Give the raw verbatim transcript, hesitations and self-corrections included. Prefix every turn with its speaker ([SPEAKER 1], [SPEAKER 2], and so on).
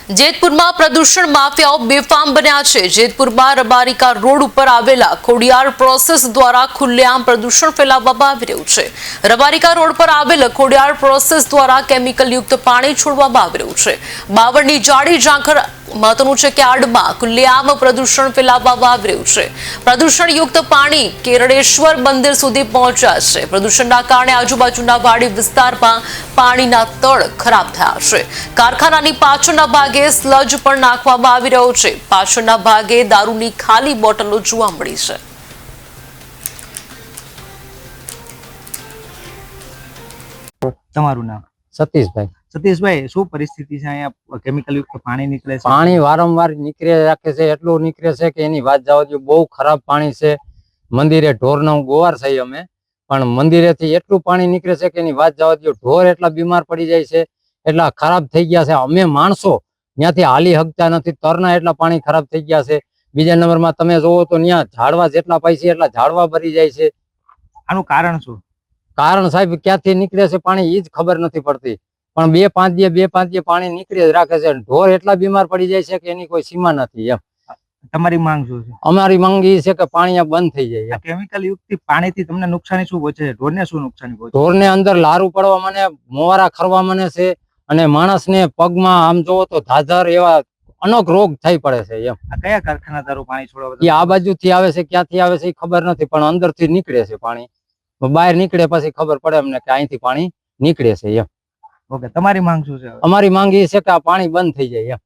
[SPEAKER 1] જેતપુરમાં પ્રદૂષણ માફિયાઓ બેફામ બન્યા છે। જેતપુરમાં રબારિકા રોડ ઉપર આવેલા ખોડિયાર પ્રોસેસ દ્વારા ખુલ્લેઆમ પ્રદૂષણ ફેલાવવામાં આવી રહ્યું છે। રબારિકા રોડ પર આવેલ ખોડિયાર પ્રોસેસ દ્વારા કેમિકલ યુક્ત પાણી છોડવામાં આવી રહ્યું છે। બાવળની જાડી ઝાંખર મહત્વનું છે કે આડમાં ખુલ્લેઆમ પ્રદૂષણ ફેલાવવામાં આવી રહ્યું છે। પ્રદૂષણ યુક્ત પાણી કેરળેશ્વર મંદિર સુધી પહોંચ્યા છે। પ્રદૂષણના કારણે આજુબાજુના વાડી વિસ્તારમાં પાણીના તળ ખરાબ થયા છે। કારખાનાની પાછળના ભાગે સ્લજ પણ નાખવામાં આવી રહ્યો છે। પાછળના ભાગે દારૂની ખાલી બોટલો જોવા મળી છે।
[SPEAKER 2] તમારું નામ?
[SPEAKER 3] સતીશભાઈ।
[SPEAKER 2] સતીશભાઈ, શું પરિસ્થિતિ છે? અહીંયા કેમિકલ યુક્ત પાણી નીકળે છે।
[SPEAKER 3] પાણી વારંવાર નીકળે રાખે છે, એટલું નીકળે છે કે એની વાત જવા દો। બહુ ખરાબ પાણી છે। મંદિરે ઢોરનો ગોવાર છે અમે, પણ મંદિરેથી એટલું પાણી નીકળે છે કે એની વાત જવા દો। ઢોર એટલા બીમાર પડી જાય છે, એટલા ખરાબ થઈ ગયા છે। અમે માણસો ત્યાંથી હાલી હકતા નથી, તરના એટલા પાણી ખરાબ થઈ ગયા છે। બીજા નંબરમાં તમે જોવો તો ત્યાં ઝાડવા જેટલા પાય છે એટલા ઝાડવા ભરી જાય છે।
[SPEAKER 2] આનું કારણ શું?
[SPEAKER 3] કારણ સાહેબ ક્યાંથી નીકળે છે પાણી એ જ ખબર નથી પડતી, પણ બે પાંચ દિવસ બે પાંચ દિવસ પાણી નીકળી જ રાખે છે। ઢોર એટલા બીમાર પડી જાય છે કે એની કોઈ સીમા નથી એમ।
[SPEAKER 2] તમારી માંગ શું છે?
[SPEAKER 3] અમારી માંગ એ છે કે પાણી આ બંધ થઈ જાય।
[SPEAKER 2] કેમિકલ યુક્ત પાણીથી તમને નુકસાની શું પહોંચે છે? ઢોરને શું નુકસાની પહોંચે?
[SPEAKER 3] ઢોરને અંદર લારું પડવા મને, મોવારા ખરવા મને છે, અને માણસને પગમાં આમ જોવો તો ધાધર એવા અનેક રોગ થઈ પડે છે એમ।
[SPEAKER 2] આ કયા કારખાના દારૂ પાણી છોડવા?
[SPEAKER 3] એ આ બાજુથી આવે છે, ક્યાંથી આવે છે એ ખબર નથી, પણ અંદરથી નીકળે છે પાણી। બહાર નીકળે પછી ખબર પડે અમને કે અહીંથી પાણી નીકળે છે એમ।
[SPEAKER 2] ઓકે, તમારી માંગ શું છે?
[SPEAKER 3] અમારી માંગ એ છે કે આ પાણી બંધ થઈ જાય એમ।